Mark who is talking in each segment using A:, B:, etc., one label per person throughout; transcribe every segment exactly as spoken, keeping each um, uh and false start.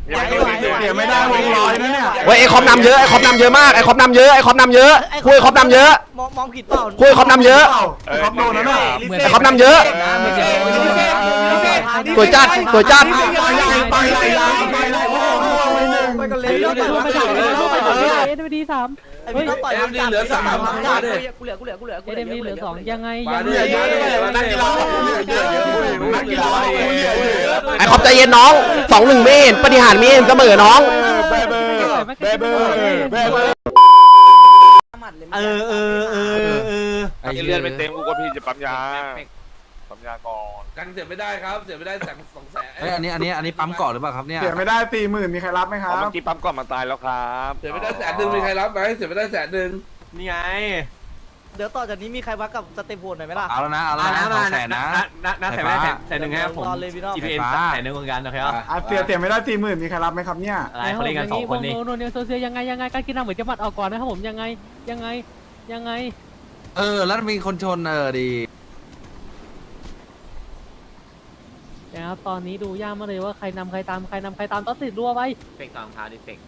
A: เดี๋ยวไม่ได้วงลอยนะเนี่ย
B: เว้ยไอ้คอมนำเยอะไอ้คอมนำเยอะมากไอ้คอมนำเยอะไอ้คอมนำเยอะคุยคอมนำเยอะ
C: มองมองผิดเปล่า
B: คุยคอมนำเยอะ
A: คอมโดนนะเนี่ย
B: ไอ้คอมนำเยอะตัวจัดตัวจัด
A: ไปเลยไปเลยไปเลยไปกันเลย
D: ไปต่อไปต่อไปต่อเอ็นดีสาม
C: ไอ้พี่ต้องต่อยเหลือสามกูเหลือกูเหลือกูเหลือกูเหลื
D: เอ็
C: อน
D: ดีเหลือสองยังไง
A: มา
D: ยัง
A: เย
D: ไง
A: อะเยอะนักกีฬานักกีฬา
B: ไอ้คอมใจเย็นน้องสองหนึ่งไม่เห็นปฏิหารไม่เห็นเสมอน้อง
A: เบเบอร์เบเบอร์เบเบอร์เออเออเออเออ
E: ไอ้เลือดไม่เต็มกูก็พี่จะปั๊มยาปั๊มยาก่อน
F: กันเสียไม่ได้ครับเสียไม่ได้แสนสองแสน
G: เอ้ยอันนี้อันนี้อันนี้ปั๊มก่อนหรือเปล่าครับเนี่ย
A: เสียไม่ได้สี่หมื่นมีใครรับไหมครับ
E: เมื่อกี้ปั๊มก่อนมาตายแล้วครับ
F: เสียไม่ได้แสนหนึ่งมีใครรับไหมเสียไม่ได้แสนหนึ่ง
E: นี่ไง
C: เดี๋ยวต่อจากนี้มีใครวัดกับสเตปโหดหน่อยไหมล่ะ
G: เอาแล้วนะเอาแล้วนะสองแสนนะ
H: น่าแสนไม่ได้แสนหนึ่งครับผม
C: รอเลยพี่น้อง
H: จี พี เอ็น แสนหนึ่งเหมือนกันนะครับ
A: เสียเสียไม่ได้สี่หมื่นมีใครรับไหมครับเนี่ย
H: อะไรเขาเล่นกันสองคนนี่
D: โนเนียโซเซียยังไงยังไงการกินน้ำเหมือนจะมัดออกก่อนนะครับผมยังไงยังไงยังไง
G: เออแล้วมีคนชนเออดี
D: นะครับตอนนี้ดูยากมากเลยว่าใครนำใครตามใครนำใครตามต้องติดรัวไว้
H: เฟกตามพาดิเฟก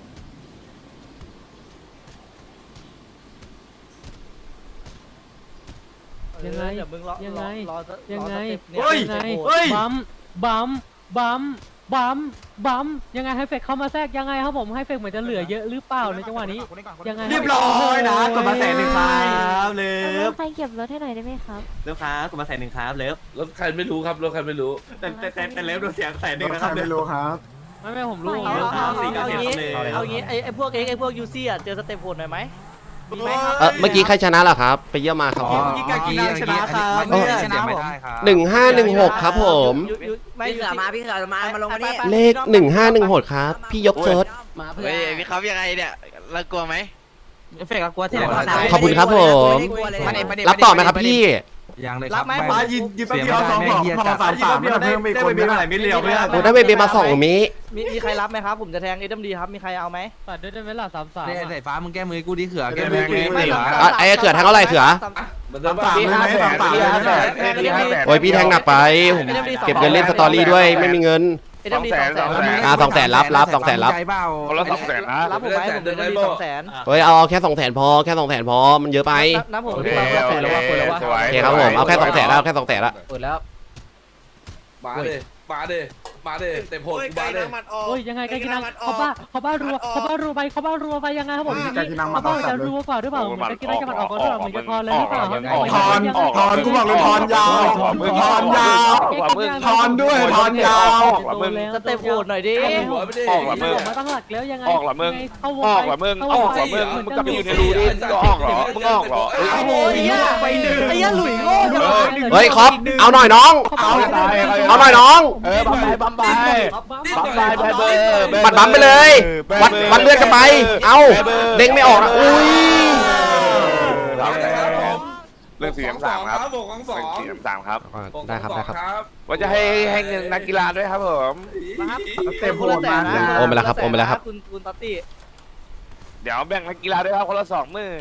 D: ยังไง
C: เดี๋ยวมึงรอ
D: ยังไง
C: รอ
D: ยังไง
C: เฮ้ย
D: ยังไงบัมบัมบัมบัมบัมยังไงให้เฟกเข้ามาแทรกยังไงครับผมให้เฟกเหมือนจะเหลือเยอะหรือเปล่าในจังหวะนี้ยังไง
H: เรียบร้อยนะกดมาแสนหนึ่งครับเลิฟ
I: ใครเก็บรถให้หน่อยได้ไหมครับ
H: เลิฟครับกดมาแสนหนึ่งครับเลิฟ
F: รถใครไม่รู้ครับรถใครไม่รู้
H: แต่แต่แต่แต่เลิฟดูเสียงแสนห
A: ร
H: นึ่ง
A: ถ
H: นะ
A: ใค
H: ค
A: ร
H: รับ
A: ไม่รู้ครับ
D: ไม่ไม่ผมรู้
C: เอา
D: ผมรู้
C: เอา
H: สี่
C: เอา
H: เก้า
C: เอา
H: เจ็ด
C: งี้เอางี้ไอ้ไอ้พวกเอ็กไอ้พวกยูซี่อ่ะเจอสเตปโหดหน่อยไหมมีไหมครับ
B: เออเมื่อกี้ใครชนะล่ะครับไปเยี่ยมมาครับ
G: อ๋อเมื่อกี้เมื่อกี้ชนะครับเมื่อกี้ชนะไม่ได้ครับ
B: หนึ่งห้าหนึ่งหกครับผม
C: ยูยูไม่
I: พี่เสือมาพี่เสือมามาลงมานี่
B: เลขหนึ่งห้าหนึ่งหกครับพี่ยกเซิร์ช
I: มาเพื่อ
E: เฮ้ยพี่ครับยังไงเนี่ยเรากลัวไหม
G: เฟกกลัวที่ไหน
B: ขอบคุณครับผม รับต่อไหมครับพี่
G: ยังเลยครับ
A: มายินยินแป๊บเดียวสองบอกพอสามสามไม่ต้องเพิ่มอีกคนนึง
H: มิลเลียวเพื่อน
B: โอ้ถ้าเบเบมาสองมิ
C: มีมีใครรับไหมครับผมจะแทงเอ็ดดีครับมีใครเอาไหม
D: ตัดด้วยได้ไหมล่ะสามสาม
G: เนี่ยสายฟ้ามึงแก้มือกูดีเขือแก้มือกูดี
C: ไม่
G: เขือ
B: อ่ะไอ้เขือแทงเท่าไหร่เขือ
F: มันจะ
A: สามเลยไหมสามสามเลยไหม
B: โอ้ยพี่แทงหนักไปผมเก็บเงินเล่นสตอรี่ด้วยไม่มีเงิน
C: เอ็ดดีสองแสน
B: อ่าสองแสนรับรับสองแสนรับ
G: ใจเปล่า
E: คนละสองแสนนะ
C: รับผมไหมผมเอ็ดดีสองแสน
B: เฮ้ยเอาแค่สองแสนพอแค่สองแสนพอมันเยอะไป
C: นับผม
E: โอเค
C: รับแสนแล้วว่าคนแล้วว่า
E: สวย
B: โอเคครับผมเอาแค่สองแสนแล้วแค่สองแสนละ
C: เปิดแล้ว
F: มาเด้มาเด้มาเด้เต็มโหดมาเด้
D: โอ้ยยังไงการกินน้ำเขาบ้าเขาบ้ารัวเขาบ้ารัวไปเขาบ้ารัวไปยังไงครับผมเขาบ้าจะรัวกว่าหรือเปล่าการกินน้ำจะมันออกก่อนหรือเปล่าเหมือนจะพอเลยหรือเปล่า
A: ทอนทอนกูบอกเลยทอนยาวทอนยาวทอนด้วยทอนยาว
C: สเต็ปโหดหน่อยดิ
F: หัวไม่ได้
E: ออกละมึง
D: มาตั้งหลักแล้วยังไง
E: ออกละมึง
D: เข้าวง
E: ออกละมึงออกละมึงมึงกลับไปอยู่ในรูดิมึงก็ออกเหรอมึงออกเหรอ
C: โอ้ยไปหนึ่งไอ้ยันหลุยโง่จัง
B: เฮ้ยครอปเอาหน่อยน้อง
A: เอา
B: เอาหน่อยน้อง
E: เออบัมไปบัมไปบัมไปเบอร์
B: ปัดบัมไปเลย วัดวัดเลือดกันไป เอาเด้งไม่ออกนะอุ้ย
E: เรื่องเสียงสามครับ
F: บวกของสอง
E: เสียงสามครับ
B: ได้ครับได้ครับ
E: ว่าจะให้ให้เงินนักกีฬาด้วยครับผม
A: เต็มโหดมา
B: โอมไปแล้วครับโอมไปแล้วครับ
C: คุณคุณตัตตี้
E: เดี๋ยวแบ่งนักกีฬาด้วยครับคนละสองหมื่น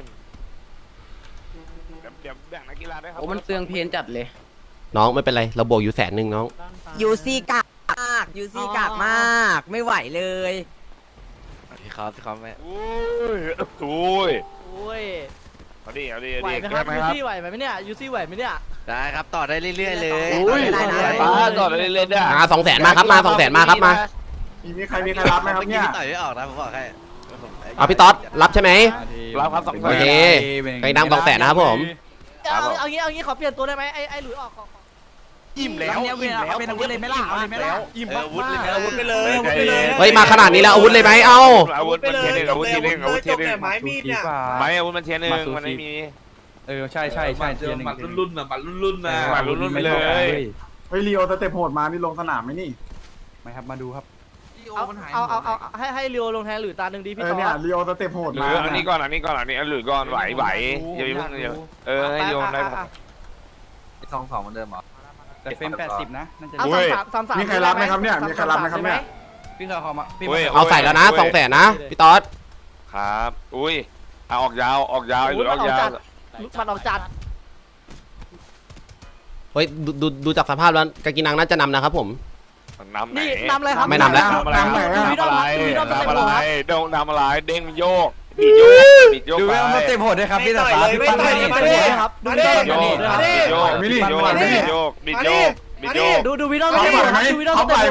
E: เดี๋ยวแบ่งนักกีฬาด้วยครับ
I: โอ้มันเปลืองเพนจัดเลย
B: น้องไม่เป็นไรเราบวกอยู่แสนหนึ่งน้อง
I: ยูซีกากมากยูซีกากมากไม่ไหวเลย
E: พี่ครับพี่ครับแม่โอ้ยโอ้ย
C: โอ้ย
E: เอาดิเอาดิ
C: ไหว
E: เอาดิ
C: ไหมครับยูซี่ไหวไหมเนี่ยยูซี่ไหวไหมเนี่ย
E: ได้ครับต่อได้เรื่อยๆเลย
I: อุ้ย
E: ป้าต่อได้เรื่อยๆได้
B: มาสองแสนมาครับมาสองแสนมาครับมา
A: มีใครมีใครรับไหมครับเนี่ย
E: ต่อยไม่ออกนะผมบอกให้
B: เอาพี่ต๊อดรับใช่ไหม
E: รับครับสองแสน
B: โอเคใครนำสองแสนนะครับผม
C: เอาเอางี้เอางี้ขอเปลี่ยนตัวได้ไหมไอ้ไอ้หลุยออก
E: อิ่มแล้วอิ่มแล้วเป็นอาวุธเลยไหมล่ะเอาเลยไหมล่ะอิ่มอาวุธเลยอาวุธไปเลย
B: เฮ้ยมาขนาดนี้แล้วอาวุธเลยไหมเอา
E: อาวุธมันเทียนหนึ่งอาวุธเทียนหนึ่งอาวุธเทียนหนึ่งไม้มีดเนี่ยไม้อาวุธมันเทียนหนึ่งมันไม่มี
G: เออใช่ใช่ใช่
F: เจอหมัดรุ่นๆนะหมัดรุ่นๆนะ
E: หมัดรุ่นๆไปเลย
A: เฮ้ยลีโอสเต็ปโหดมานี่ลงสนามไหมนี่
G: ไม่ครับมาดูครับ
C: เอาเอาเอาเอาให้ให้เรียวลงแทนหรือตาหนึ่งดี
A: เอ
C: พี่
A: อ
C: ต่อ
A: เนี่ยลีโอสเต็ปโหด
E: หรื
A: มา
E: ออันนี้ก่อนอันนี้ก่อนอันนี้หรือก่อนไหวไหวอย่าไปเพิ่งเออให้โยนได้
G: สองสองเหมือนเดิมเหรอ
H: แต่เฟรมแปดสิบนะน่าจะ
C: เอาสามสามสาม
A: มีใครรับไหมครับเนี่ยมีใครรับไหมครับเนี่ย
H: พี่เขาเขามา
B: เอาใส่แล้วนะสองแสนนะพี่ต๊อด
E: ครับอุ้ยเอาออกยาวออกยาวหรือออกยาว
C: มันออกจัด
B: เฮ้ยดูดูดูจากสภาพแล้วกากินังน่าจะนำนะครับผม
J: นำไหน
C: นี่นำอะไรครับ
B: ไม่นำแล้ว
J: นำอะไร
C: นำอะไร
J: นำอะไร
C: ดูวิดอม
J: นำอะไร
C: ครับ
J: โดงนำอะไรเด้งโยกบิดโยกบิดโยก
G: ดู
J: ไป
G: เวลาสเต็ปโหดด้วยครับพี่ตาฟ้าพี่
E: ไม่
G: ปั้น
E: ต่อย
G: ให้
E: เลย
G: เห็น
E: ไม่
G: ตัว
E: ต่อย
G: นี้
E: เลย
C: ครับดูวิดอม
J: บิดโยกบิดโยกบิดโยกบิดโยกบิดโยก
C: ดูดูวิดอมสเต็ปโหดครับดูวิดอมสเต็ปโหด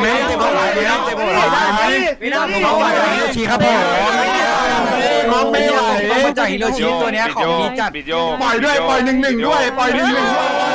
G: ชี้ครับผมน้องไม่ไหวต้องมาจากฮิโรชิตัวเนี้ยของดีจัด
J: บิดโยก
B: ปล่อยด้วยปล่อยหนึ่งหนึ่งด้วยปล่อยหนึ่งหนึ่ง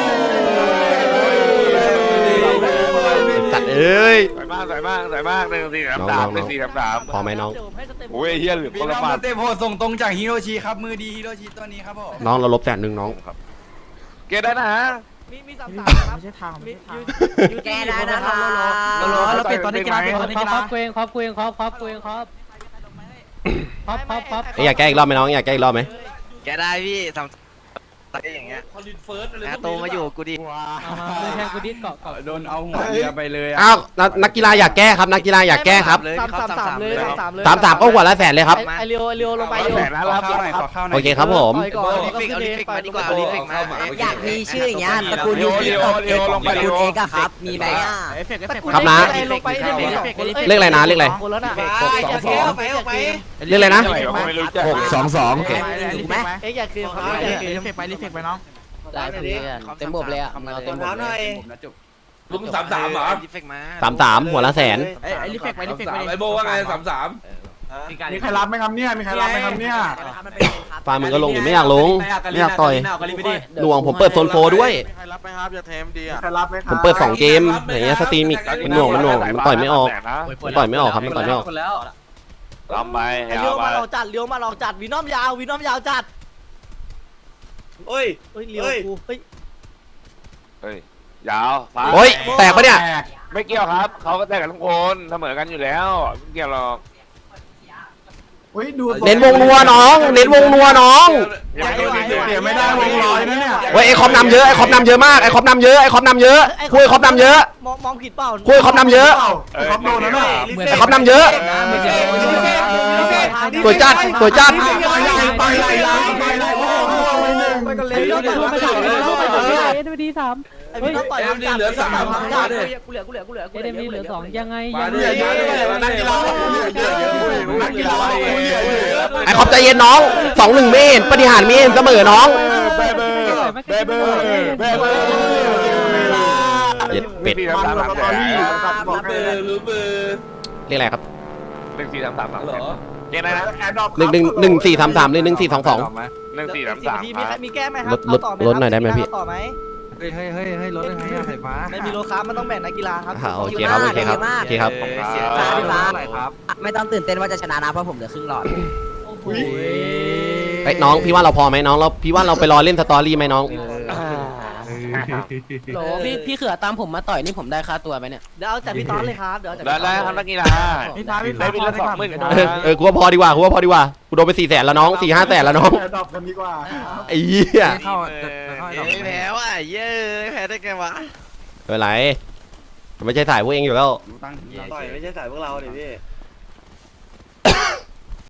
B: จัดเอ้ย
J: สวยมากสวยมากสวยมากหนึ่งสี่สามสามหนึ่งสี่สามสาม
B: พอไหมน้อง
J: โอ้ยเฮียเหลือ
G: มี
J: คน
G: น้
J: ละ
G: อง
J: บา
G: ส
J: ท
G: เต็ปโหดส่งตรงจากฮิโรชิครับมือดีฮิโรชิตัวนี้ครับผม
B: น้องเราลบแสนหนึ่งน้อง
J: เกได้นะฮะ
C: มีมีสามสามครับ
E: ไม่ใช่ทาง
C: มี
I: แกได้นะคะ
E: โลโลเราเปลี่ยนตอนนี้กีฬาเปลี่ยนตอนนี้
D: คร
E: กี
D: อ
E: ฬา
D: บเกวงครอบเกวงครอบครอบเกวงครอบครอบครอบครอบ
B: อยากแก้อีกรอบไหมน้องอยากแก้อีกรอบไหม
I: แกได้พี่สามอย่างเงี้ย
F: คอลินเฟิร์สอะไร
I: โตมาอยู่กูดิ
D: เอามามือแทงกูดิเกาะเกาะ
G: โดนเอาหัวเรือไปเลย
B: อ้าวนักนักกีฬาอยากแก้ครับนักกีฬาอยากแก้ครับ
C: สามสามสามเลยสามสามเลย
B: สามสามก็หัวละแสนเลยครับ
C: ไอเรียวไอเรียวลงไป
J: แสนนะ
G: ขอ
J: รับ
G: ข้าวหน่อยขอข้าวหน่อย
B: โอเคครับผม
C: ต่อยก่อนแล้วก็ขึ้นเองต่อยก่อน
I: อยากมีชื่ออย่างเงี้ยตระกูลยูซีตบเอกตระกูลเอกอะครับ มีไหมอ่ะ
B: ครับนะ
C: ลงไปเอฟเฟกต์เอฟเฟกต์
B: เลขอะไรนะเลขอะไร
C: คนแล้วน่ะ
E: ไปออกไป
B: เรียกอะไรนะ
J: ไม่รู้จัก
B: หกสองสองโอเค
I: ถูกไหม
C: เอ็กซ์อยากคืนครับ
E: รี
C: อยาก
E: เฟ
C: คืน
E: กไปรีเฟกไปน้อง
D: ได้พี่เต็มบบเลยอ่ะเอาเต็มบบเลย
G: ผมนะจุก
F: ลุงสามสามเหรอ
B: สามสามหัวละแสน
E: ไอ้รีเฟกไปรีเฟก
F: สา
E: ไป
F: มไอโบว่าไงสามสาม
H: มีใครรับไหมครับเนี่ยมีใครรับไหมครับเนี่ย
B: ฟาร์มมึงก็ลงอยู่ไม่อยากลงไม่อยากต่อยหน่วงผมเปิดโซนโฟด้วย
H: ใครรับไหมครับอย่าเทมดีอ่ะใครรับไหมค
B: ผ
H: รับ
B: มเปิดสองเกมอย่างเงี้ยสตรีมอีกมันหน่วงมันหน่วงมันต่อยไม่ออกมันต่อยไม่ออกครับมันต่อยไม่ออก
J: ลำไป
C: เลี้ยวมาลองจัดเลี้ยวมาลองจัดวีนอมยาววีนอมยาวจัด
E: เฮ้ย
C: เฮ้ยเลี้ยวกูเฮ้ย
J: เฮ้ยยาวฟ้า
B: โอ้ยแตกปะเนี่ย
J: ไม่เกี่ยวครับเขาก็แตกกันทุกคนเสมอกันอยู่แล้วไม่เกี่ยวหรอก
H: เฮ้ยดู
B: เน้นวงนัวน้อง เน้นวงนัวน้อง
H: เดี๋ยวไม่ได้วงลอยนะเนี่ย
B: เว้ยไอคอมนำเยอะไอคอมนำเยอะมากไอคอมนำเยอะไอคอมนำเยอะคุยคอมนำเยอะ
C: มองมองผิดเปล่า
B: คุยคอมนำเยอะ
H: เขาโดนแล้วน่ะ
B: ไอคอมนำเยอะสวยจัดสวยจัด
H: ไปไล่ไล่ไปไล่โอ้โหหนึ่ง
C: ไปกันเลย
D: เลี้ยวต่อยไปต่อยเลี้ยวไปต่อยเอ็นดีสาม
C: ไอ้วีนอมต่อยจัดเหลือสามกูเหลือกูเหลือกูเหลือกู
D: เอ็นดีเหลือสองยังไง
F: มา
D: ยัง
F: เรื่
D: ไง
F: อยๆนักกีฬานักกีฬา
B: ไอคอมใจเย็นน้องสองหนึ่งเมนปฏิหารเมนเสมอน้อง
H: เบเบอร์เบเบอร์เบเบอร์
B: เย็ดเป็ด
J: สี่สามสามสามแสน
F: รู้เบอร์รู้เบอร์
B: เรียกอะไรครับ
J: หนึ่งสี่สามสามสาม
F: เหรอ
J: เกี่ยวนะ
B: หนึ่งหนึ่งหนึ่งสี่สามสามหรือหนึ่งสี่สองสอง
J: หนึ่งสี่สาม
C: สิบ
J: สาม
C: นาทีมีมีแก้ไหมครั
B: ลดลด
C: ต่อไหม
B: ลดหน่อยได้ไหมพี่
C: ต่อไหม
G: เฮ้ยเฮ้ยเฮ้ยเฮ้ยรถได้ไงอะสายฟ้า
C: ไม่มีโลค้ามันต้องแบ่งนักกีฬาครับ
B: อ่าโอเคครับโอเคครับโอเคครับ
I: เสียใจพี่ฟ้าไม่ต้องตื่นเต้นว่าจะชนะนะเพราะผมเหลือครึ่งหลอด
B: ไอ้ยน้องพี่ว่าเราพอไหมน้องเราพี่ว่าเราไปรอเล่นสตอรี่ไหมน้อง
D: โหลพี่พี่เขือตามผมมาต่อยนี่ผมได้ค่าตัวไหมเนี่ย
C: เดี๋ยวเอาจากพี่ต้อนเลยครับเดี๋ยวเอาจาก
J: ได้
C: พี่ต้
J: ได้
C: อน
J: ครับนักกีฬา
E: พี่ฟ้าพี่
J: ได้
E: ฟ้า
J: ปีละสองหมื่น
B: เออเออกูว่าพอดีกว่ากูว่าพอดีกว่ากูโดนไปสี่แสนแล้วน้องสี่ห้าแสนแล้วน้อง
H: ดอกคนดีกว่า
B: ไอ้เหี้ย
G: เข้าเข้า
I: แพ้ว่ะเย้แพ้ได้ไงวะ
B: ไม่เป็นไรไม่ใช่ถ่ายพวกเองอยู่แล้ว
G: ตั้ง
E: ต่อยไม่ใช่สายพวกเราดิพี่